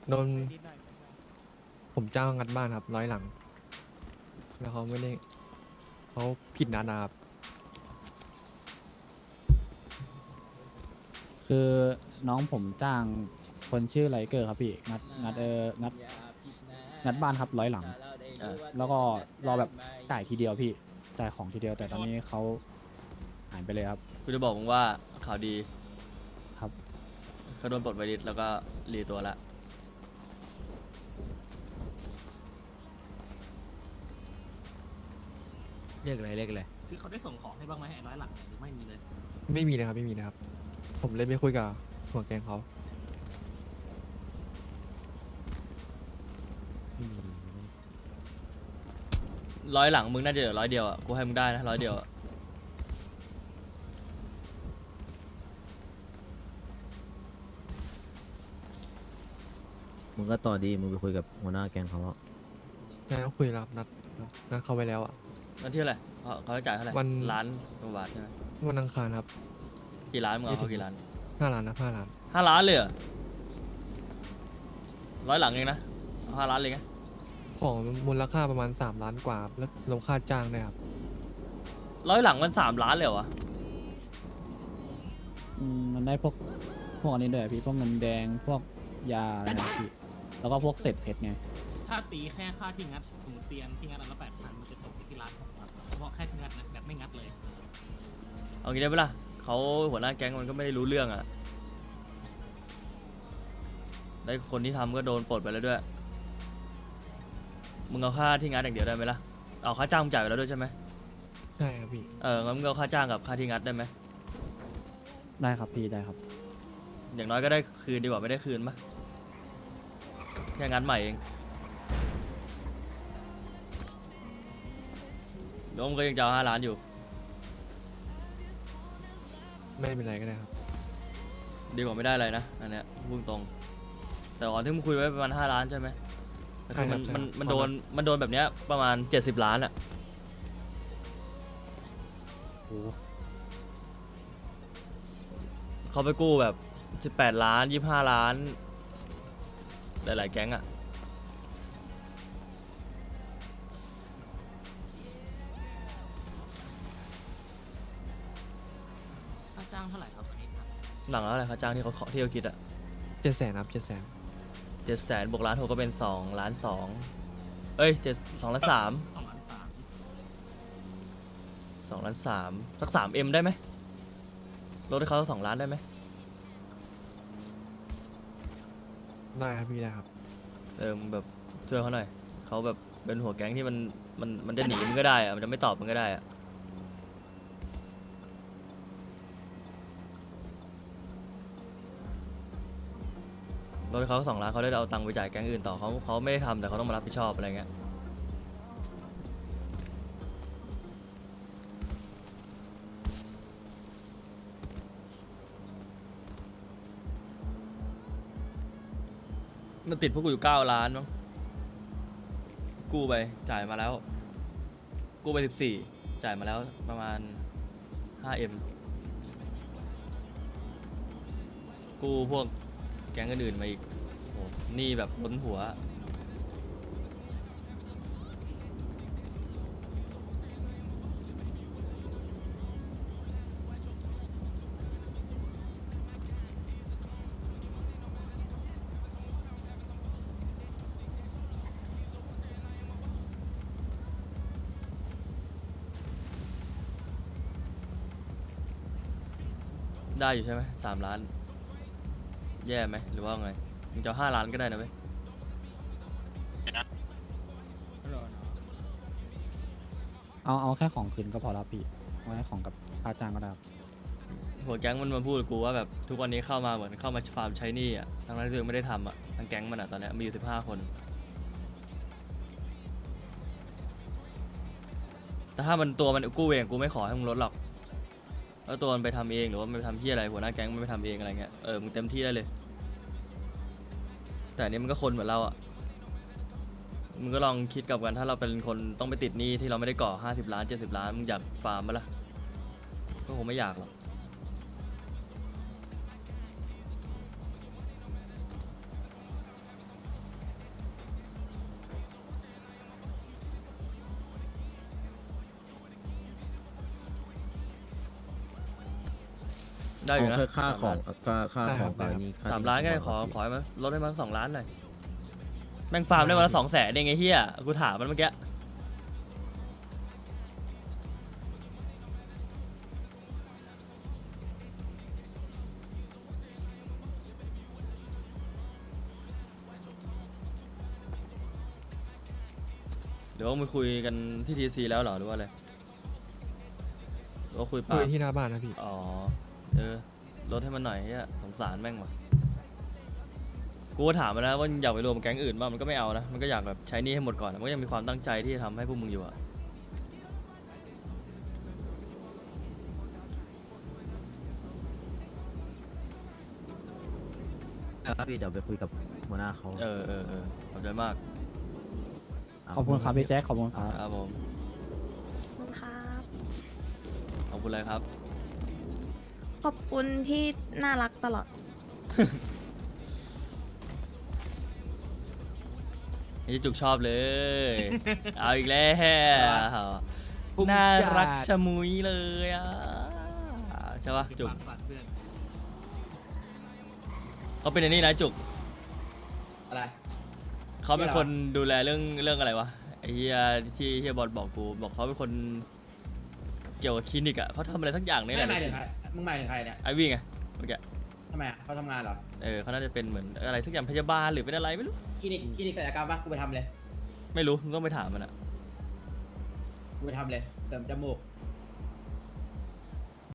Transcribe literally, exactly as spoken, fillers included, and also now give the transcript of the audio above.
โดนผมจ้างงัดบ้านครับร้อยหลังแล้วเขาไม่ได้เขาผิดนัดนะครับคือน้องผมจ้างคนชื่อไลเกอร์ครับพี่งัดงัดเอองัดงัดบ้านครับร้อยหลังเออแล้วก็รอแบบจ่ายทีเดียวพี่จ่ายของทีเดียวแต่ตอนนี้เขาหายไปเลยครับกูจะบอกมึงว่าข่าวดีครับเขาโดนปลดไวริสแล้วก็รีตัวละเรียกอะไรเรียกอะไรคือเขาได้ส่งของให้บ้างไหมไอ้ร้อยหลังเนี่ยหรือไม่มีเลยไม่มีนะครับไม่มีนะครับ ผมเลยไปคุยกับหัวแกงเขาร้อยหลังมึงน่าจะเหลือร้อยเดียวอ่ะกูให้มึงได้นะร้อยเดียวอะมึงก็ต่อดีมึงไปคุยกับหัวหน้าแก๊งเขาอะใช่เขาคุยแล้วครับนัดนัดเขาไว้แล้วอ่ะนั่นที่เท่าไหร่เขาเขาจะจ่ายเท่าไหร่วันล้านกว่าบาทใช่ไหมวันอังคารครับกี่ล้านมึงเอาเขากี่ล้านห้าล้านนะห้าล้านห้าล้านเลยเหรอร้อยหลังเองนะเอาห้าล้านเลยไงของมูลค่าประมาณสามล้านกว่าครับแล้วรวมค่าจ้างด้วยครับร้อยหลังมันสามล้านเลยเหรอวะอืมมันได้พวกพวกอันนี้ด้วยพี่พวกเงินแดงพวกยาอะไรนะพี่แล้วก็พวกเศษเพชรไงถ้าตีแค่ค่าที่งัดสมมติเตียงที่งัดอันละแปดพันมันจะตกอยู่ที่ร้านของครับเฉพาะแค่ที่งัดนะแบบไม่งัดเลยเอางี้ได้ปะล่ะเขาหัวหน้าแก๊งมันก็ไม่ได้รู้เรื่องอ่ะได้คนที่ทำก็โดนปลดไปแล้วด้วยมึงเอาค่าที่งัดอย่างเดียวได้ไหมล่ะเอาค่าจ้างมึงจ่ายไปแล้วด้วยใช่ไหมใช่ครับพี่เอองั้นมึงเอาค่าจ้างกับค่าที่งัดได้ไหมได้ครับพี่ได้ครับอย่างน้อยก็ได้คืนดีกว่าไม่ได้คืนปะแค่งัดใหม่เองโดมก็ยังจะเอาห้าล้านอยู่ไม่เป็นไรก็ได้ครับดีกว่าไม่ได้อะไรนะอันเนี้ยพูดตรงแต่ก่อนที่มึงคุยไว้ประมาณห้าล้านใช่ไหมแต่คือมันใช่ครับมันใช่มันโดนมันโดนแบบเนี้ยประมาณเจ็ดสิบล้านอะโอ้เขาไปกู้แบบสิบแปดล้านยี่สิบห้าล้านหลายๆแก๊งอะค่าจ้างเท่าไหร่ครับตอนนี้ครับหลังแล้วอะไรค่าจ้างที่เขาขอที่เขาคิดอะเจ็ดแสนครับเจ็ดแสนเจ็ดแสนบวกล้านหกก็เป็นสองล้านสองเอ้ยเจ็ดสองล้านสามสองล้านสามสองล้านสามสักสามเอ็มได้ไหมลดให้เขาสองล้านได้ไหมได้ครับพี่ได้ครับเออมึงแบบช่วยเขาหน่อยเขาแบบเป็นหัวแก๊งที่มันมันมันจะหนีมึงก็ได้อะมันจะไม่ตอบมึงก็ได้อะลดให้เขาสองล้านเขาได้เอาตังค์ไปจ่ายแก๊งอื่นต่อเขาเขาไม่ได้ทำแต่เขาต้องมารับผิดชอบอะไรเงี้ยมันติดพวกกูอยู่เก้าล้านมั้งกู้ไปจ่ายมาแล้วกู้ไปสิบสี่จ่ายมาแล้วประมาณห้าเอ็มกู้พวกแก๊งอื่นๆมาอีกโอ้หนี่แบบล้นหัวได้อยู่ใช่ไหมสามล้าน แย่ไหมหรือว่าไงมึงจะห้าล้านก็ได้นะเว้ยเอาเอาแค่ของคืนก็พอแล้วพี่เอาแค่ของกับค่าจ้างก็ได้ครับหัวแก๊งมันมาพูดกับกูว่าแบบทุกวันนี้เข้ามาเหมือนเข้ามาฟาร์มใช้หนี้อ่ะทั้งนั้นที่ตัวเองไม่ได้ทำอ่ะทั้งแก๊งมันอ่ะตอนเนี้ยมีอยู่สิบห้าคน แต่ถ้ามันตัวมันกู้เองกูไม่ขอให้มึงลดหรอกแล้วตัวมันไปทำเองหรือว่ามันไปทำที่อะไรหัวหน้าแก๊งมันไปทำเองอะไรเงี้ยเออมึงเต็มที่ได้เลย แต่อันนี้มันก็คนเหมือนเราอ่ะมึงก็ลองคิดกลับกันถ้าเราเป็นคนต้องไปติดหนี้ที่เราไม่ได้ก่อห้าสิบล้านเจ็ดสิบล้านมึงอยากฟาร์มมั้ยล่ะก็คงไม่อยากหรอกได้อยู่นะเอาแค่ค่าของสามล้านค่าค่าได้ขครัองบกับอันนี้ค่สามล้านก็ได้ที่ขอผมขอให้มันลดให้มันสองล้านหน่อยแม่งฟาร์มได้วันละสองแสนเองไอ้เหี้ยกูถามมันเมื่อกี้หรือว่ามึงคุยกันที่ทีซีแล้วเหรอหรือว่าอะไรหรือว่าคุยคุปาย กที่หน้าบ้านนะพี่อ๋อเออลดให้มันหน่อยเฮียสงสารแม่งว่ะกูก็ถามมันนะว่าอยากไปรวมแก๊งอื่นบ้างมันก็ไม่เอานะมันก็อยากแบบใช้หนี้ให้หมดก่อนมันก็ยังมีความตั้งใจที่จะทำให้พวกมึงอยู่อะครับพี่เดี๋ยวไปคุยกับหัวหน้าเขาเออเออเออขอบใจมากขอบคุณครับพี่แจ็คขอบคุณครับครับผมขอบคุณครับขอบคุณเลยครับขอบคุณที่น่ารักตลอดนี่จุกชอบเลย เอาอีกแล้วน่ารักชะมุยเลยอ่ะใช่ปะจุกฝากฝันเพื่อนเขาเป็นไอ้นี่นะจุกอะไรเขาเป็นคนดูแลเรื่องเรื่องอะไรวะไอ้เฮียที่เฮียบอลบอกกูบอกเขาเป็นคนเกี่ยวกับคลินิกอ่ะเขาทำอะไรสักอย่างนี่ไม่แหละหมายถึงใครมึงหมายถึงใครเนี่ยไอวี่ไงเมื่อกี้ทำไมอะเขาทำงานเหรอเออเขาน่าจะเป็นเหมือนอะไรสักอย่างพยาบาลหรือเป็นอะไรไม่รู้คลินิกคลินิกศัลยกรรมปะกูไปทำเลยไม่รู้มึงต้องไปถามมันอ่ะกูไปทำเลยเสริมจมูก